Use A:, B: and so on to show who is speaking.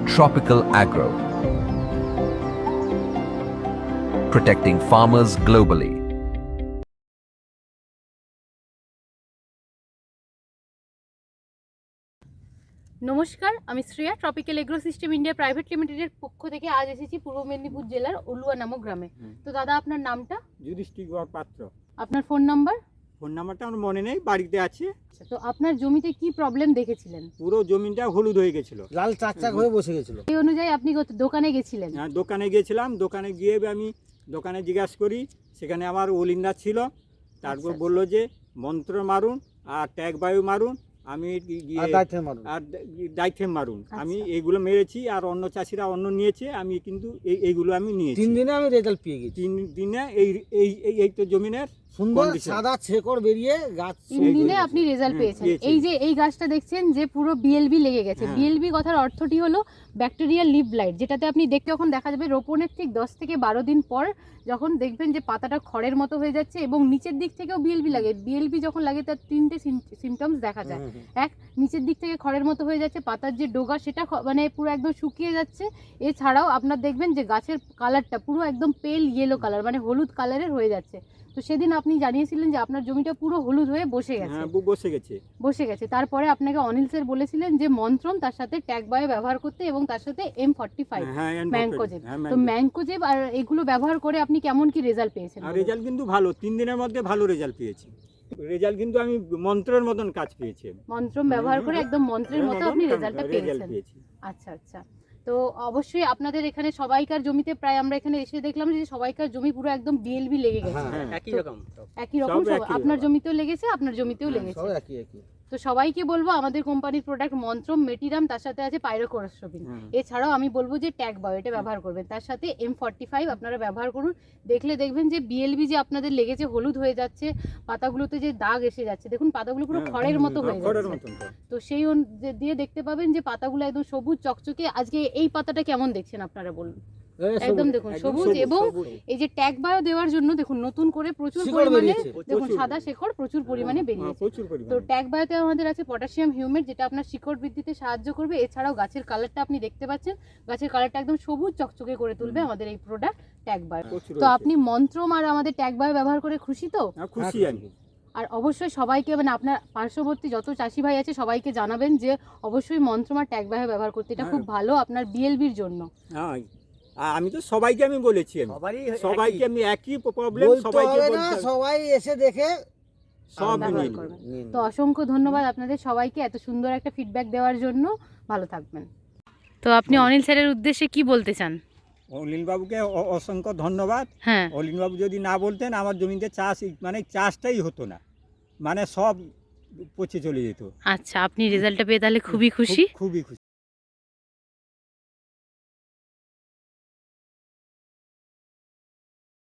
A: Tropical Agro, protecting farmers globally.
B: নমস্কার, আমি Shreya. Tropical agro system India private লিমিটেডের পক্ষ থেকে আজ এসেছি পূর্ব মেদিনীপুর জেলার অলুয়া নামক গ্রামে। তো দাদা, আপনার নামটা?
C: যুধিষ্ঠির পাত্র।
B: আপনার ফোন নাম্বার?
C: ফোন নাম্বারটা আমার মনে নেই, বাড়িতে আছে।
B: তো আপনার জমিতে কি প্রবলেম দেখেছিলেন?
C: পুরো জমিটা হলুদ হয়ে গেছিল,
D: লাল চাকচাক হয়ে বসে গেছিল।
B: এই অনুযায়ী আপনি দোকানে গেছিলেন?
C: হ্যাঁ, দোকানে গিয়েছিলাম। দোকানে গিয়ে আমি দোকানে জিজ্ঞাসা করি, সেখানে আমার ওলিন্দা ছিল। তারপর
B: আচ্ছা।
C: বললো যে মন্ত্র মারুন আর ট্যাগ বায়ু মারুন। আমি
D: আর
C: ডাইথেম মারুন।
B: আচ্ছা।
C: আমি এইগুলো মেরেছি, আর অন্য চাষিরা অন্য নিয়েছে, আমি কিন্তু এইগুলো আমি নিয়েছি।
D: 3 দিনে আমি রেজাল্ট পেয়ে গেছি।
C: 3 দিনে এই তো জমিনের
D: সুন্দর
C: condition।
D: সাদা শেকড় বেরিয়ে গাছ
B: 3 দিনে আপনি রেজাল্ট পেয়েছেন।
C: পেয়েছি।
B: এই যে এই গাছটা দেখছেন যে পুরো বিএলবি লেগে গেছে।
C: হ্যাঁ।
B: বিএলবি কথার অর্থটি হলো ব্যাকটেরিয়াল লিভ ব্লাইট, যেটাতে আপনি দেখতে যখন দেখা যাবে রোপণের ঠিক 10 থেকে 12 দিন পর যখন দেখবেন যে পাতাটা খড়ের মতো হয়ে যাচ্ছে এবং নিচের দিক থেকেও বিএলবি লাগে। বিএলবি যখন লাগে তার 3টে সিমটমস দেখা যায়। এক, নিচের দিক থেকে খড়ের মতো হয়ে যাচ্ছে, পাতার যে ডগা সেটা মানে পুরো একদম শুকিয়ে যাচ্ছে। এছাড়াও আপনার দেখবেন যে গাছের কালারটা পুরো একদম পেল ইয়েলো কালার, মানে হলুদ কালারের হয়ে যাচ্ছে। তো সেদিন আপনি জানিয়েছিলেন যে আপনার জমিটা পুরো হলুদ হয়ে বসে গেছে।
C: হ্যাঁ, বসে গেছে।
B: তারপরে আপনাকে অনিল স্যার বলেছিলেন যে মন্ত্রম, তার সাথে ট্যাগ বায়ো ব্যবহার করতে এবং তার সাথে M45 ম্যাঙ্কোজেব। তো ম্যাঙ্কোজেব আর এগুলো ব্যবহার করে আপনি কেমন কি রেজাল্ট পেয়েছেন?
C: রেজাল্ট কিন্তু ভালো, 3 দিনের মধ্যে ভালো রেজাল্ট পেয়েছি। রেজাল্ট কিন্তু আমি মন্ত্রের মতন কাজ পেয়েছি।
B: মন্ত্রম ব্যবহার করে একদম মন্ত্রের মতো আপনি রেজাল্টটা পেয়েছেন। আচ্ছা আচ্ছা। তো অবশ্যই আপনাদের এখানে সবাইকার জমিতে প্রায় আমরা এখানে এসে দেখলাম যে সবাইকার জমি পুরো একদম বিএলবি লেগে গেছে।
D: একই রকম
B: একই রকম আপনার জমিতেও লেগেছে, আপনার জমিতেও লেগেছে।
D: সব একই।
B: তো সবাইকে বলবো আমাদের কোম্পানির প্রোডাক্ট মন্ত্রম, মেটিরাম, তার সাথে আছে পাইরোকোরসবিন। এছাড়াও আমি বলবো যে ট্যাগ বায়ো এটা ব্যবহার করবেন, তার সাথে M45 আপনারা ব্যবহার করুন। দেখলে দেখবেন যে বিএলবি যে আপনাদের লেগেছে হলুদ হয়ে যাচ্ছে, পাতাগুলোতে যে দাগ এসে যাচ্ছে, দেখুন পাতাগুলো পুরো খড়ের মতো হয়ে যাচ্ছে। তো সেই দিয়ে দেখতে পাবেন যে পাতাগুলো একদম সবুজ চকচকে। আজকে এই পাতাটা কেমন দেখছেন আপনারা বলুন? একদম দেখুন সবুজ। এবং এই যে ট্যাগ বায়ো দেওয়ার জন্য দেখুন নতুন করে প্রচুর পরিমাণে দেখুন সাদা শিকড় প্রচুর পরিমাণে বেরিয়েছে। তো ট্যাগ বায়োতে আমাদের আছে পটাশিয়াম হিউমেট, যেটা আপনার শিকড় বৃদ্ধিতে সাহায্য করবে। এছাড়াও গাছের কালারটা আপনি দেখতে পাচ্ছেন, গাছের কালারটা একদম সবুজ চকচকে করে তুলবে আমাদের এই প্রোডাক্ট ট্যাগ বায়ো। তো আপনি মন্ত্রম আর আমাদের ট্যাগ বায়ো ব্যবহার করে খুশি তো?
C: খুশি আমি।
B: আর অবশ্যই সবাইকে, মানে আপনার পার্শ্ববর্তী যত চাষি ভাই আছে সবাইকে জানাবেন যে অবশ্যই মন্ত্রম আর ট্যাগ বায়ো ব্যবহার করতে। এটা খুব ভালো আপনার বিএলবির জন্য।
C: হ্যাঁ, আমি তো সবাইকে আমি বলেছি, সবাইকে আমি একই প্রবলেম সবাইকে বলছি,
D: সবাই এসে দেখে
C: সব
B: ব্যবহার করবেন। তো অসংখ্য ধন্যবাদ আপনাদের সবাইকে এত সুন্দর একটা ফিডব্যাক দেওয়ার জন্য। ভালো থাকবেন। তো আপনি অনিল স্যারের উদ্দেশ্যে কি বলতে চান?
C: অলিন বাবুকে অসংখ্য ধন্যবাদ।
B: হ্যাঁ,
C: অলিন বাবু যদি না বলতেন আমার জমিতে চাষটাই হতো না, মানে সব পচে চলে যেত।
B: আচ্ছা, আপনি রেজাল্টটা পেয়ে তাহলে খুবই খুশি।
C: খুবই খুশি।